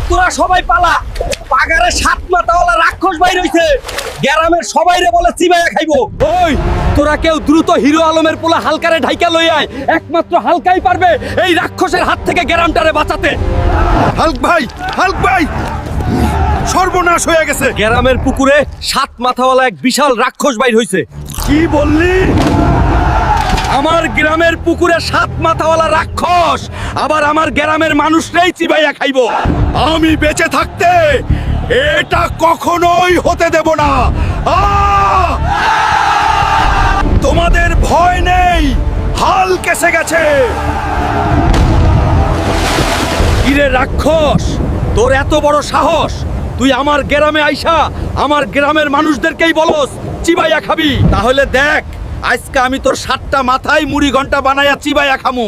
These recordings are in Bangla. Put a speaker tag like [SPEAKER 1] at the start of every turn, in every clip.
[SPEAKER 1] তোরা সবাই পালা, পাগারে 7 মাথাওয়ালা রাক্ষস বাইর হইছে, গ্রামের সবাইরে বলে চিবাইয়া খাইবো। ওই তোরা কেউ দ্রুত হিরো আলমের পোলা হালকারে ঢাইকা লই আয়, একমাত্র হালকাই পারবে এই রাক্ষসের হাত থেকে গ্রামটারে বাঁচাতে।
[SPEAKER 2] হাল্ক ভাই সর্বনাশ হয়ে গেছে।
[SPEAKER 1] গ্রামের পুকুরে 7 মাথাওয়ালা এক বিশাল রাক্ষস বাইর হইছে।
[SPEAKER 2] কি বললি?
[SPEAKER 1] আমার গ্রামের পুকুরে 7 মাথাওয়ালা রাক্ষস, আবার আমার গ্রামের মানুষরাই চিবাইয়া খাইবো।
[SPEAKER 2] আমি বেঁচে থাকতে এটা কখনোই হতে দেব না। তোমাদের ভয় নেই, হাল্ক এসে গেছে।
[SPEAKER 1] কিরে রাক্ষস, তোর এত বড় সাহস, তুই আমার গ্রামে আইসা আমার গ্রামের মানুষদেরকেই বলস চিবাইয়া খাবি? তাহলে দেখ আজকে আমি তোর 7টা মাথায় মুড়ি ঘন্টা বানাইয়া চিবাইয়া খামু।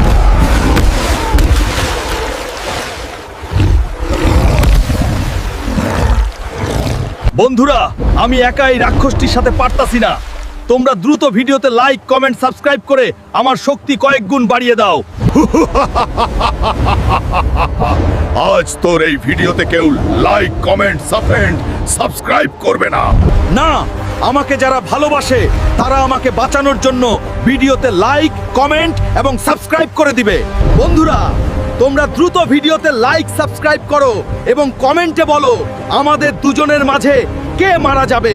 [SPEAKER 1] বন্ধুরা, আমি একাই রাক্ষসটির সাথে পারতাছি না। তোমরা দ্রুত ভিডিওতে লাইক, কমেন্ট, সাবস্ক্রাইব করে আমার শক্তি কয়েক গুণ বাড়িয়ে দাও।
[SPEAKER 2] আজ তোর এই ভিডিওতে কেউ লাইক, কমেন্ট, সাবস্ক্রাইব করবে না।
[SPEAKER 1] না, আমাকে যারা ভালোবাসে তারা আমাকে বাঁচানোর জন্য ভিডিওতে লাইক, কমেন্ট এবং সাবস্ক্রাইব করে দিবে। বন্ধুরা, তোমরা দ্রুত ভিডিওতে লাইক, সাবস্ক্রাইব করো এবং কমেন্টে বলো আমাদের দুজনের মাঝে কে মারা যাবে।